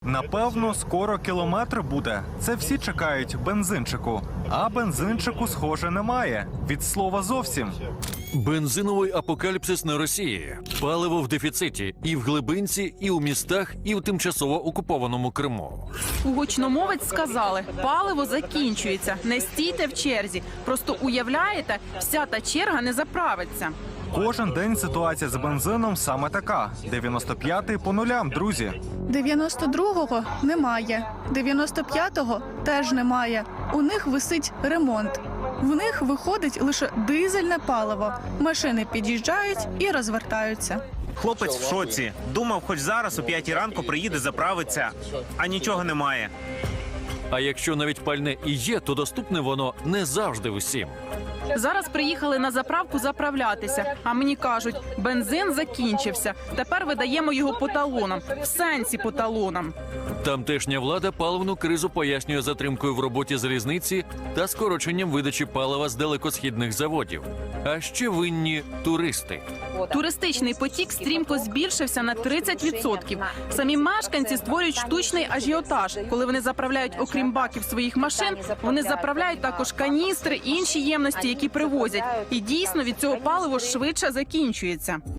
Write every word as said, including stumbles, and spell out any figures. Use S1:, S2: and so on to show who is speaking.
S1: Напевно, скоро кілометр буде. Це всі чекають бензинчику. А бензинчику, схоже, немає. Від слова зовсім.
S2: Бензиновий апокаліпсис на Росії. Паливо в дефіциті і в глибинці, і у містах, і в тимчасово окупованому Криму.
S3: У гучномовець сказали, паливо закінчується, не стійте в черзі. Просто уявляєте, вся та черга не заправиться.
S1: Кожен день ситуація з бензином саме така. дев'яносто п'ятий по нулям, друзі.
S4: дев'яносто другого немає, дев'яносто п'ятого теж немає. У них висить ремонт. В них виходить лише дизельне паливо. Машини під'їжджають і розвертаються.
S5: Хлопець в шоці. Думав, хоч зараз о п'ятій ранку приїде заправиться, а нічого немає.
S2: А якщо навіть пальне і є, то доступне воно не завжди усім.
S3: Зараз приїхали на заправку заправлятися, а мені кажуть, бензин закінчився. Тепер видаємо його по талонам, в сенсі по талонам.
S2: Тамтешня влада паливну кризу пояснює затримкою в роботі залізниці та скороченням видачі палива з далекосхідних заводів. А ще винні туристи.
S3: Туристичний потік стрімко збільшився на тридцять відсотків. Самі мешканці створюють штучний ажіотаж. Коли вони заправляють, окрім баків своїх машин, вони заправляють також каністри і інші ємності, які привозять. І дійсно від цього паливо швидше закінчується.